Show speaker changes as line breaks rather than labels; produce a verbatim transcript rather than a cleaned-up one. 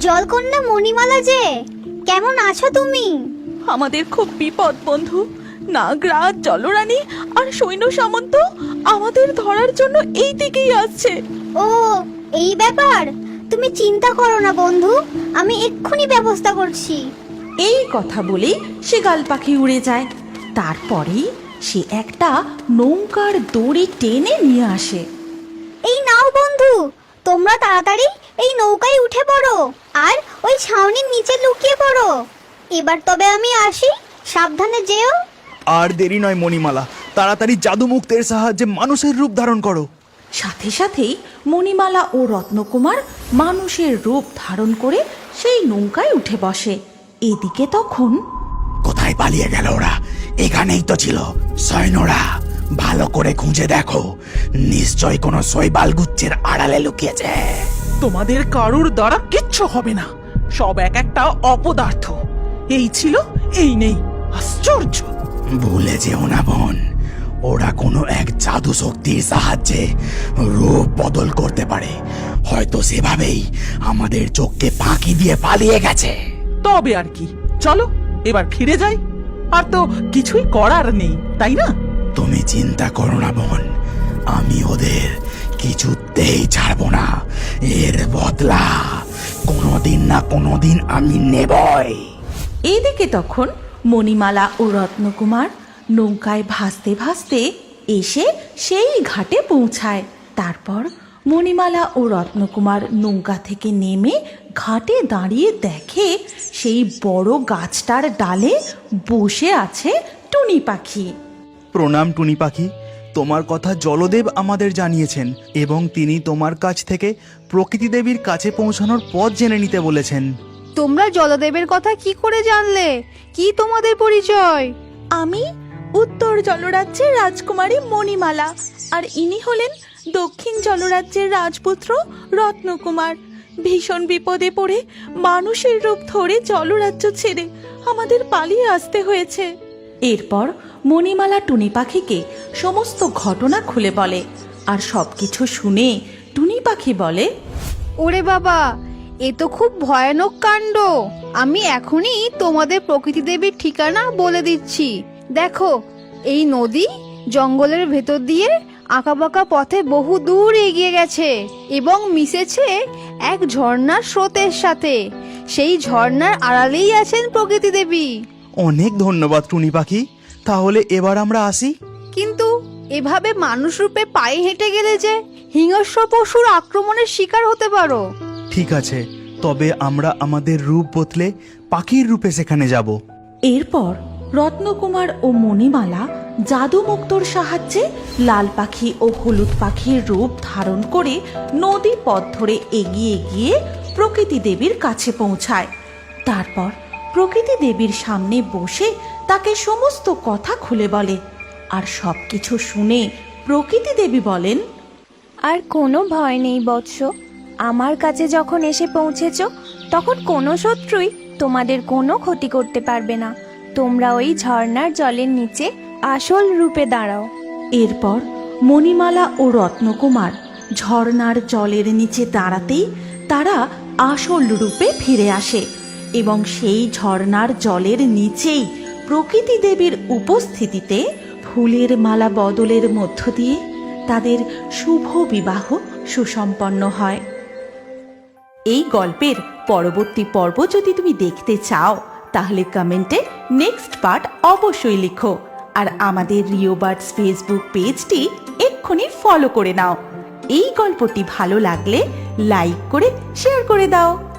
জলকন্যা মণিমালা যে, কেমন আছো তুমি?
আমাদের খুব বিপদ বন্ধু। নাগরাজ, জলরানী আর সৈন্য সামন্ত আমাদের ধরার জন্য এই দিকেই আসছে।
ও, এই ব্যাপার। তুমি চিন্তা করো না বন্ধু, আমি এক্ষুনি ব্যবস্থা করছি।
এই কথা বলে সে গাল পাখি উড়ে যায়। তারপরেই সে একটা নৌকার দড়ি টেনে নিয়ে আসে।
এই নাও বন্ধু, তোমরা তাড়াতাড়ি এই নৌকায় উঠে পড়ো আর ওই ছাউনির নিচে লুকিয়ে পড়ো। এবার তবে আমি আসি, সাবধানে যেও।
আর দেরি নয় মণিমালা, তাড়াতাড়ি জাদু মুক্তের সাহায্যে মানুষের রূপ ধারণ করো।
সাথে সাথেই মণিমালা ও রত্নকুমার মানুষের রূপ ধারণ করে সেই নৌকায় উঠে বসে। এদিকে তখন
কোথায় পালিয়ে গেল ওরা? এখানেই তো ছিল। সৈন্যরা, ভালো করে খুঁজে দেখো, নিশ্চয় কোনো শৈবাল গুচ্ছের আড়ালে লুকিয়েছে।
তোমাদের কারুর দ্বারা কিচ্ছু হবে না, সব এক একটা অপদার্থ। এই ছিল, এই নেই। আশ্চর্য!
ভুলে যেও না বোন, ওরা কোনো এক জাদু শক্তির সাহায্যে রূপ বদল করতে পারে। হয়তো সেভাবেই আমাদের চোখকে ফাঁকি দিয়ে পালিয়ে গেছে।
তবে আর কি, চলো এবার ফিরে যাই। আর তো কিছুই করার নেই, তাই না?
তুমি চিন্তা করো না বোন, আমি ওদের কিছুতেই ছাড়বো না। এর বদলা কোনোদিন না কোনোদিন আমি নেবই।
এদিকে তখন মণিমালা ও রত্নকুমার নৌকায় ভাসতে ভাসতে এসে সেই ঘাটে পৌঁছায়। তারপর মণিমালা ও রত্নকুমার নৌকা থেকে নেমে ঘাটে দাঁড়িয়ে দেখে সেই বড় গাছটার ডালে বসে আছে টুনি পাখি।
প্রণাম টুনি পাখি, তোমার কথা জলদেব আমাদের জানিয়েছেন এবং তিনি তোমার কাছ থেকে প্রকৃতি দেবীর কাছে পৌঁছানোর পথ জেনে নিতে বলেছেন।
তোমরা জলদেবের কথা কি করে জানলে? কি তোমাদের পরিচয়?
আমি উত্তর জলরাজ্যের রাজকুমারী মণিমালা, আর ইনি হলেন দক্ষিণ জলরাজ্যের রাজপুত্র রত্নকুমার। ভীষণ বিপদে পড়ে মানুষের রূপ ধরে জলরাজ্য ছেড়ে আমাদের পালিয়ে আসতে হয়েছে। এরপর মণিমালা টুনি পাখিকে সমস্ত ঘটনা খুলে বলে, আর সবকিছু শুনে টুনি পাখি বলে,
ওরে বাবা, এ তো খুব ভয়ানক কাণ্ড। আমি এখনই তোমাদের প্রকৃতি দেবীর ঠিকানা বলে দিচ্ছি। দেখো, এই নদী জঙ্গলের ভেতর দিয়ে আঁকাবাঁকা পথে বহু দূর এগিয়ে গেছে এবং মিশেছে এক ঝর্ণার স্রোতের সাথে। সেই ঝর্ণার আড়ালেই আছেন প্রকৃতি দেবী।
অনেক ধন্যবাদ টুনি পাখি, তাহলে এবার আমরা আসি।
কিন্তু এভাবে মানুষ রূপে পায়ে হেঁটে গেলে যে হিংস্র পশুর আক্রমণের শিকার হতে পারো।
ঠিক আছে, তবে আমরা আমাদের রূপ বদলে পাখির রূপে সেখানে যাব।
এরপর রত্নকুমার ও মণিমালা জাদু মুক্তোর সাহায্যে লাল পাখি ও হলুদ পাখির রূপ ধারণ করে নদী পথ ধরে এগিয়ে গিয়ে প্রকৃতি দেবীর কাছে পৌঁছায়। তারপর প্রকৃতি দেবীর সামনে বসে তাকে সমস্ত কথা খুলে বলে, আর সবকিছু শুনে প্রকৃতি দেবী বলেন,
আর কোনো ভয় নেই বৎস, আমার কাছে যখন এসে পৌঁছেছ তখন কোনো শত্রুই তোমাদের কোনো ক্ষতি করতে পারবে না। তোমরা ওই ঝর্ণার জলের নিচে আসল রূপে দাঁড়াও।
এরপর মণিমালা ও রত্নকুমার ঝর্ণার জলের নিচে দাঁড়াতেই তারা আসল রূপে ফিরে আসে এবং সেই ঝর্ণার জলের নিচেই প্রকৃতি দেবীর উপস্থিতিতে ফুলের মালা বদলের মধ্য দিয়ে তাদের শুভ বিবাহ সুসম্পন্ন হয়। এই গল্পের পরবর্তী পর্ব যদি তুমি দেখতে চাও তাহলে কমেন্টে নেক্সট পার্ট অবশ্যই লিখো, আর আমাদের রিও বার্ডস ফেসবুক পেজটি এক্ষুনি ফলো করে নাও। এই গল্পটি ভালো লাগলে লাইক করে শেয়ার করে দাও।